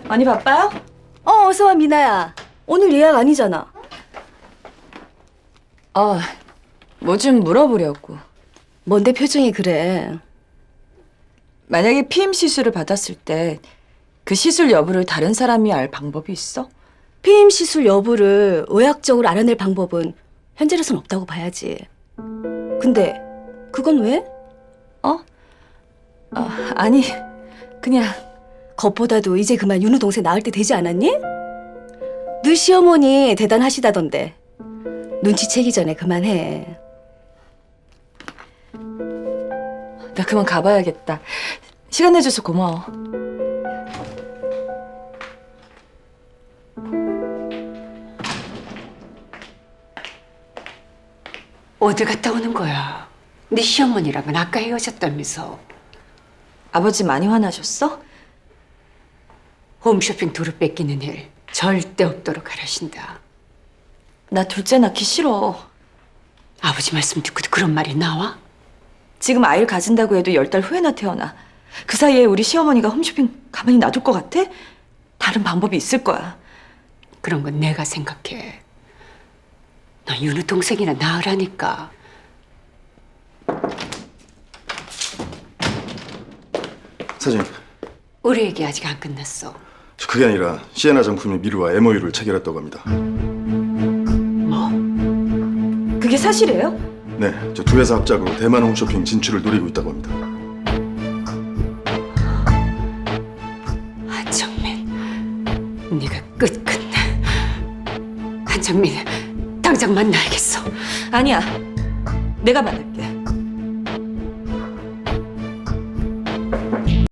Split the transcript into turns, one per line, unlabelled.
많이 바빠요?
어서 와, 미나야. 오늘 예약 아니잖아.
뭐 좀 물어보려고.
뭔데 표정이 그래?
만약에 피임 시술을 받았을 때 그 시술 여부를 다른 사람이 알 방법이 있어?
피임 시술 여부를 의학적으로 알아낼 방법은 현재로선 없다고 봐야지. 근데 그건 왜?
아니, 그냥
겉보다도 이제 그만 윤우 동생 낳을 때 되지 않았니? 너 시어머니 대단하시다던데. 눈치채기 전에 그만해.
나 그만 가봐야겠다. 시간 내줘서 고마워.
어디 갔다 오는 거야? 네 시어머니랑은 아까 헤어졌다면서.
아버지 많이 화나셨어?
홈쇼핑 도로 뺏기는 일 절대 없도록 하라신다.
나 둘째 낳기 싫어.
아버지 말씀 듣고도 그런 말이 나와?
지금 아이를 가진다고 해도 10달 후에나 태어나. 그 사이에 우리 시어머니가 홈쇼핑 가만히 놔둘 것 같아? 다른 방법이 있을 거야.
그런 건 내가 생각해. 너 윤우 동생이나 낳으라니까.
사장님,
우리 얘기 아직 안 끝났어.
그게 아니라 시에나 정품이 미르와 MOU를 체결했다고 합니다.
그게 사실이에요?
네, 저 두 회사 합작으로 대만 홈쇼핑 진출을 노리고 있다고 합니다.
한정민, 네가 끝끝내. 한정민, 당장 만나야겠어.
아니야. 내가 만날게.